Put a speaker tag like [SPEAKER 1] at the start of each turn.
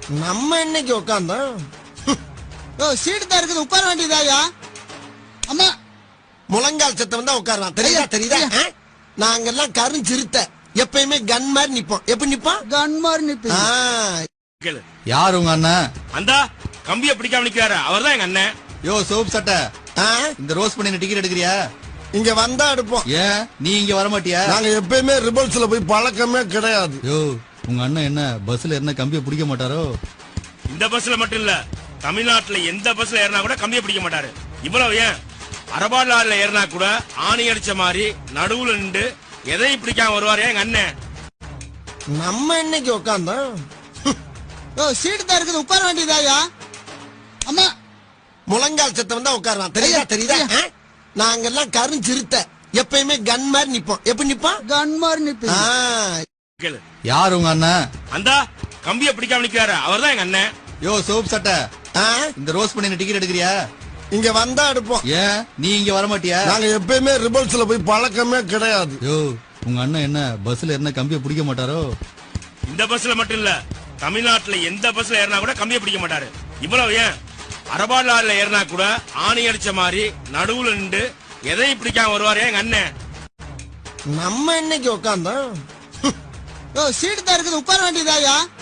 [SPEAKER 1] நம்ம இன்னைக்கு உட்காந்தோம்.
[SPEAKER 2] சீட்டு தான் இருக்குது, உட்கார வேண்டியதாயா? அம்மா
[SPEAKER 1] முழங்கால் சத்தம் தான் உட்காருவான். தெரியுதா தெரியுதா? நாங்கெல்லாம் கருஞ்சிருத்த எப்பயுமே கன் மாதிரி நிப்போம். எப்படி நிப்போம்?
[SPEAKER 2] கன் மாதிரி நிப்பீங்க.
[SPEAKER 3] கேளு.
[SPEAKER 4] யார் உங்க அண்ணன்?
[SPEAKER 3] அந்தா கம்பிய பிடிக்காம நிக்கிறாரு, அவர்தான் எங்க அண்ணன்.
[SPEAKER 4] யோ சோப் சட்டை,
[SPEAKER 1] ஆ?
[SPEAKER 4] இந்த ரோஸ் பண்ணி டிக்கெட் எடுக்கிறியா?
[SPEAKER 1] இங்க வந்தா எடுப்போம்.
[SPEAKER 4] ஏன் நீ இங்க வர மாட்டியா?
[SPEAKER 1] நாங்க எப்பயுமே ரிபல்ஸ்ல போய் பழக்கமே கிடையாது.
[SPEAKER 4] யோ உங்க அண்ணன் என்ன பஸ்ல என்ன கம்பிய பிடிக்க மாட்டாரோ?
[SPEAKER 3] இந்த பஸ்ல மட்டும் இல்ல, தமிழ்நாட்டுல எந்த பஸ்ல ஏறினா கூட கம்பிய பிடிக்க மாட்டாரு. இவ்வளவு ஏன், அரபாடு லாரில ஏறினா கூட ஆணி அடிச்ச மாதிரி நடுவுல நின்று எதையும் பிடிக்காம வருவாரு எங்க அண்ணன்.
[SPEAKER 1] நம்ம இன்னைக்கு உட்காந்தோம்.
[SPEAKER 2] சீட்டு தான் இருக்குது, உட்கார வேண்டியதாயா? அம்மா
[SPEAKER 1] முழங்கால் சத்தம் தான் உட்காருவான். தெரியுதா தெரியுதா? நாங்கெல்லாம் கருஞ்சிருத்த எப்பயுமே கன் மாதிரி நிப்போம். எப்படி நிப்போம்?
[SPEAKER 2] கன் மாதிரி நிப்பீங்க.
[SPEAKER 3] கேளு.
[SPEAKER 4] யார் உங்க அண்ணன்?
[SPEAKER 3] அந்தா கம்பிய பிடிக்காம நிக்கிறாரு, அவர்தான் எங்க அண்ணன்.
[SPEAKER 4] யோ சோப் சட்டை,
[SPEAKER 1] ஆ?
[SPEAKER 4] இந்த ரோஸ் பண்ணி டிக்கெட் எடுக்கிறியா?
[SPEAKER 1] இங்க வந்தா எடுப்போம்.
[SPEAKER 4] ஏன் நீ இங்க வர மாட்டியா?
[SPEAKER 1] நாங்க எப்பயுமே ரிபல்ஸ்ல போய் பழக்கமே கிடையாது.
[SPEAKER 4] யோ உங்க அண்ணன் என்ன பஸ்ல என்ன கம்பிய பிடிக்க மாட்டாரோ?
[SPEAKER 3] இந்த பஸ்ல மட்டும் இல்ல, தமிழ்நாட்டுல எந்த பஸ்ல ஏறினா கூட கம்பிய பிடிக்க மாட்டாரு. இவ்வளவு ஏன், அரபாடு லாரில ஏறினா கூட ஆணி அடிச்ச மாதிரி நடுவுல நின்று எதையும் பிடிக்காம வருவாரு எங்க அண்ணன்.
[SPEAKER 1] நம்ம இன்னைக்கு உட்காந்தோம்.
[SPEAKER 2] சீட்டு தான் இருக்குது, உட்கார வேண்டியதாயா?